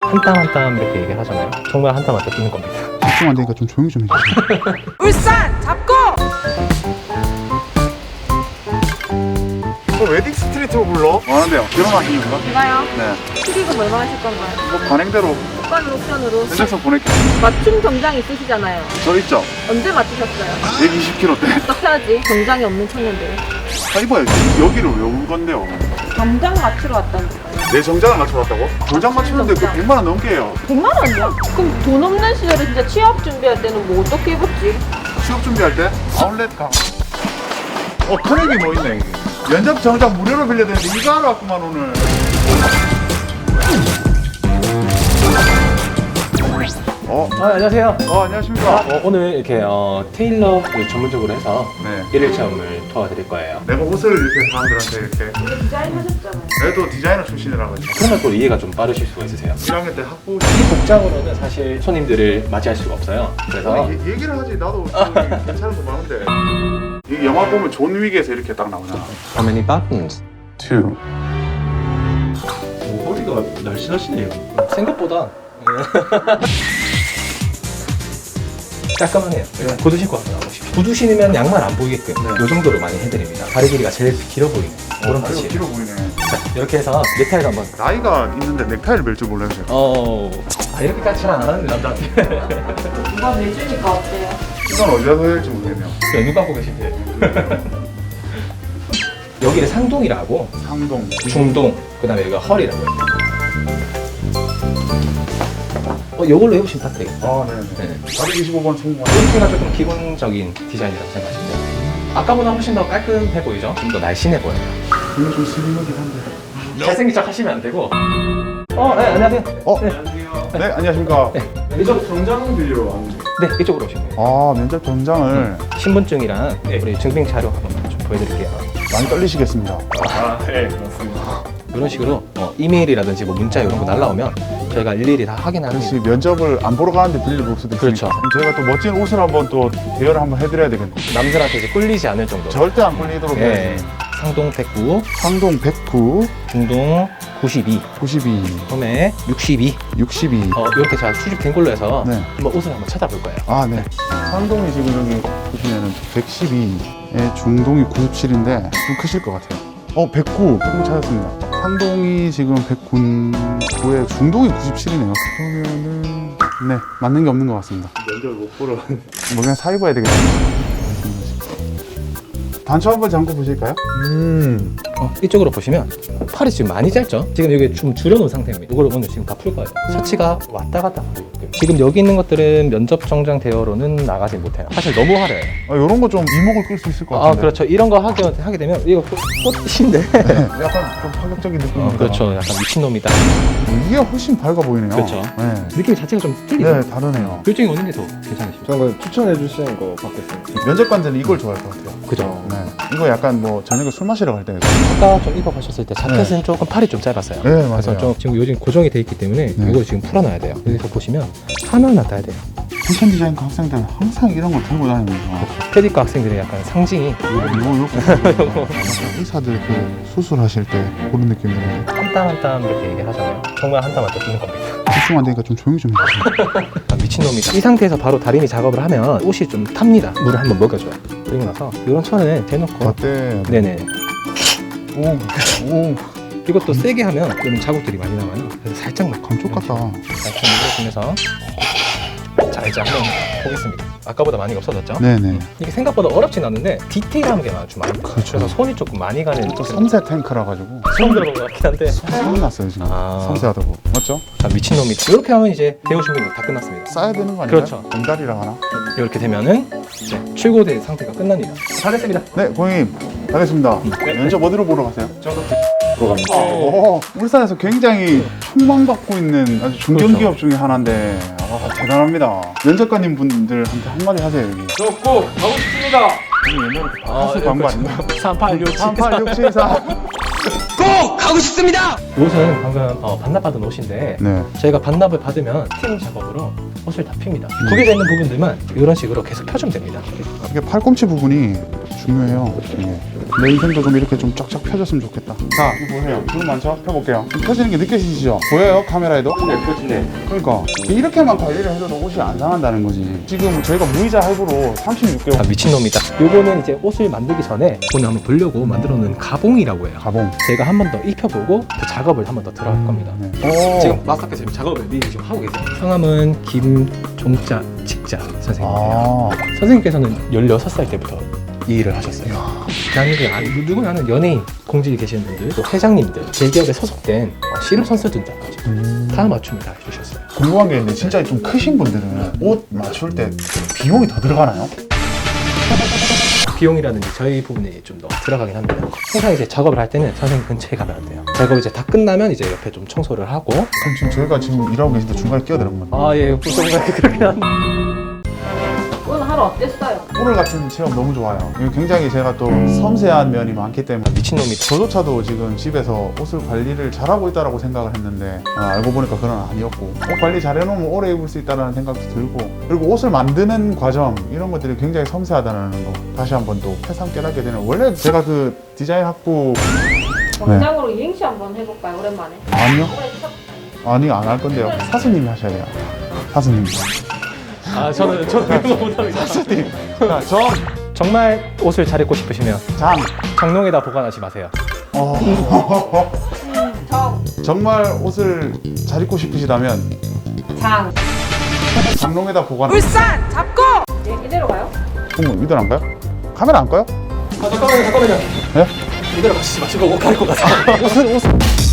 한 땀 한 땀 이렇게 얘기를 하잖아요. 정말 한 땀 한 땀 뛰는 겁니다. 집중 안 되니까 좀 조용히 좀 해주세요. 울산 잡고! 웨딩 스트리트로 불러? 뭐 하는데요? 결혼하시는 건가? 제가요? 네. 축의금 얼마 하실 건가요? 뭐 관행대로 오빠는 옵션으로 면접서 보낼게요. 맞춤 정장 있으시잖아요. 저 있죠? 언제 맞추셨어요? 120kg 대. 어떡하지? 정장이 없는 청년들. 아 이봐요. 여기를 왜 온 건데요? 정장 맞추러 왔다니까요. 내 정장을 맞춰왔다고? 정장 맞추는데 그 100만 원 넘게 해요. 100만 원이요? 그럼 돈 없는 시절에 진짜 취업 준비할 때는 뭐 어떻게 입었지? 취업 준비할 때 아울렛 가. 큰액이 뭐 있네 이게. 면접 정장 무료로 빌려야 되는데 이거 하러 왔구만 오늘. 안녕하세요. 안녕하십니까. 오늘 이렇게 테일러를 전문적으로 해서 네. 일일 체험을 도와드릴 거예요. 내가 옷을 이렇게 사람들한테 이렇게. 이거 디자인 하셨잖아요. 내도 디자이너 출신이라 가지고. 그러면 또 이해가 좀 빠르실 수가 있으세요. 1학년 때 학부. 이 복장으로는 사실 손님들을 맞이할 수가 없어요. 그래서 얘기를 하지. 나도 괜찮은 거 많은데. 이 영화 보면 존 윅에서 이렇게 딱 나오잖아. How many buttons? 2. 머리가 날씬하시네요. 생각보다 깔끔하네요. 구두 신고 한번 나오십시오. 구두 신으면 양말 안 보이게끔 이 정도로 많이 해드립니다. 다리 길이가 제일 길어 보이는 그런 다리가 핏이. 길어 보이네. 자, 이렇게 해서 넥타이를 한번. 나이가 있는데 넥타이를 멜 줄 몰라요 제가. 이렇게까지 잘 안 하는데 남자한테. 누가 내주니까 어때요? 이건 어디다 해야 될지 모르겠네요. 눈 감고 계신데. 여기를 상동이라고, 상동. 중동, 그 다음에 여기가 허리라고 해요. 이걸로 해보시면 딱 되겠다. 네네. 네. 425번 성공. 이렇게가 조금 기본적인 디자인이라고 생각하시면 돼요. 아까보다 훨씬 더 깔끔해 보이죠? 좀 더 날씬해 보여요. 이거 좀 슬림하긴 한데. 잘생긴 척 하시면 안 되고. 네, 안녕하세요. 네, 안녕하십니까. 면접 정장 빌리러 왔는데 네, 이쪽으로 오시면 돼요. 면접 정장을 신분증이랑 우리 증빙 자료 한번 좀 보여드릴게요. 많이 떨리시겠습니다. 네 그렇습니다. 이런 식으로 이메일이라든지 뭐 문자 이런 거 날라오면 저희가 일일이 다 확인하는. 혹시 면접을 안 보러 가는데 빌릴 수도 있으니까. 그렇죠. 그럼 저희가 또 멋진 옷을 한번 또 대여를 한번 해드려야 되겠네요. 남들한테 이제 꿀리지 않을 정도로. 절대 안 걸리도록 예. 해야지. 상동 109, 상동 109, 중동 92, 92, 소매 62. 62. 이렇게 잘 수집된 걸로 해서 네. 한번 옷을 한번 찾아볼 거예요. 네. 상동이 지금 여기 보시면은 112에 중동이 97인데 좀 크실 것 같아요. 109 조금 찾았습니다. 상동이 지금 109에 중동이 97이네요. 그러면은 네 맞는 게 없는 것 같습니다. 면접을 못 보러 뭐 그냥 사 입어야 되겠네요. 단추 한번 잠궈 보실까요? 이쪽으로 보시면 팔이 지금 많이 짧죠? 지금 여기 좀 줄여놓은 상태입니다. 이걸 오늘 지금 다 풀 거예요. 셔츠가 왔다 갔다 하게끔. 지금 여기 있는 것들은 면접 정장 대여로는 나가지 못해요. 사실 너무 화려해요. 이런 거 좀 이목을 끌 수 있을 것 같은데. 그렇죠. 이런 거 하게 되면 이거 꽃인데. 약간 좀 파격적인 느낌입니다. 그렇죠. 약간 미친놈이다. 이게 훨씬 밝아 보이네요. 그렇죠. 네. 느낌 자체가 좀 틀리죠? 네, 다르네요. 결정이 어느 게 더 괜찮으십니까? 저는 그냥 추천해 주시는 거 받겠습니다. 면접관들은 이걸 좋아할 것 같아요. 그죠. 네. 이거 약간 뭐 저녁에 술 마시러 갈 때. 아까 좀 입어보셨을 때 자켓은 조금 팔이 좀 짧았어요. 네, 맞아요. 그래서 좀 지금 요즘 고정이 돼 있기 때문에 네. 이걸 지금 풀어놔야 돼요. 여기서 보시면 하나하나 따야 돼요. 패션 디자인과 학생들은 항상 이런 걸 들고 다니면서 패디과 학생들의 약간 상징이 이거 의사들 그 수술하실 때 그런 느낌 들어요. 한 땀 한 땀 이렇게 얘기하잖아요. 정말 한 땀 한 땀 뛰는 겁니다. 집중 안 되니까 좀 조용히 좀 해주세요. 미친놈이다. 이 상태에서 바로 다리미 작업을 하면 옷이 좀 탑니다. 물을 한번 먹여줘요. 그리고 나서 이런 천을 대놓고 어때? 네네. 오, 이것도 세게 하면 이런 자국들이 많이 남아요. 그래서 살짝만 감쪽 같다. 살짝 눌러주면서 자 이제 한번 보겠습니다. 아까보다 많이 없어졌죠? 네네. 이게 생각보다 어렵진 않은데 디테일한 게 좀 많아요. 그렇죠. 그래서 손이 조금 많이 가는 또 섬세 탱크라 가지고 처음 들어본 것 같긴 한데 소문 났어요 지금. 아. 섬세하다고. 맞죠? 미친놈이 이렇게 하면 이제 대우 준비 다 끝났습니다. 싸야 되는 거 아니에요? 그렇죠. 공다리랑 하나? 이렇게 되면은 네, 출고된 상태가 끝납니다. 다 됐습니다. 네, 고객님 가겠습니다. 면접 어디로 보러 가세요? 저도 보러 갑니다. 울산에서 굉장히 촉망받고 있는 아주 중견기업 중에 하나인데 대단합니다. 면접관님 분들한테 한마디 하세요 여기. 저 꼭 가고 싶습니다. 여기 옛날에 가수 광고 아닌가? 386 3867 4 꼭 가고 싶습니다. 옷은 방금 반납받은 옷인데 네. 저희가 반납을 받으면 팀 작업으로 옷을 다 핍니다. 구겨져 있는 부분들만 이런 식으로 계속 펴주면 됩니다. 이게 팔꿈치 부분이 중요해요. 이게. 내 인생도 좀 이렇게 좀 쫙쫙 펴졌으면 좋겠다. 자, 이거 보세요. 주름 많죠? 펴볼게요. 좀 펴지는 게 느껴지시죠? 보여요? 카메라에도? 네, 펴지네. 그러니까 이렇게만 관리를 해도 옷이 안 상한다는 거지. 지금 저희가 무이자 할부로 36개월 미친놈이다. 요거는 이제 옷을 만들기 전에 돈을 한번 벌려고 만들어 놓은 가봉이라고 해요. 가봉. 제가 한 번 더 입혀보고 또 작업을 한 번 더 들어갈 겁니다. 네. 오. 지금 마스터께서 지금 작업을 미리 지금 하고 계세요. 성함은 김종자 직자 선생님이에요. 아, 선생님께서는 16살 때부터 이 일을 하셨어요. 대한민국에 누구나 아는 연예인, 공직에 계시는 분들, 또 회장님들, 대기업에 소속된 씨름 선수들까지 다 맞춤을 다 해주셨어요. 궁금한 게 있는데 진짜 좀 크신 분들은 옷 맞출 때 비용이 더 들어가나요? 비용이라든지 저희 부분이 좀 더 들어가긴 합니다. 항상 이제 작업을 할 때는 선생님 근처에 가면 안 돼요. 작업이 이제 다 끝나면 이제 옆에 좀 청소를 하고. 그럼 지금 저희가 지금 일하고 계신데 중간에 끼어드는 건데 아, 예, 보통 그렇게 합니다. 오늘 하루 어땠어요? 오늘 같은 체험 너무 좋아요. 이거 굉장히 제가 또 섬세한 면이 많기 때문에 미친놈이다. 저조차도 지금 집에서 옷을 관리를 잘하고 있다고 생각을 했는데 알고 보니까 그건 아니었고 옷 관리 잘 해놓으면 오래 입을 수 있다는 생각도 들고 그리고 옷을 만드는 과정 이런 것들이 굉장히 섬세하다는 거 다시 한번 또 새삼 깨닫게 되는 원래 제가 그 디자인 학부 원장으로 이행시 한번 해볼까요? 오랜만에. 아니요? 올해 첫 아니 안 할 건데요 사수님이 하셔야 돼요 사수님 아, 저는 그런 거 못합니다. 사수님 자, 정말 옷을 잘 입고 싶으시면 장 장롱에다 보관하지 마세요. 정, 정말 옷을 잘 입고 싶으시다면 장. 장롱에다 보관 네, 이대로 가요? 그럼 이대로 안 가요? 카메라 안 꺼요? 잠깐만요. 네? 이대로 가시지 마시고 옷 갈고 가세요. 옷은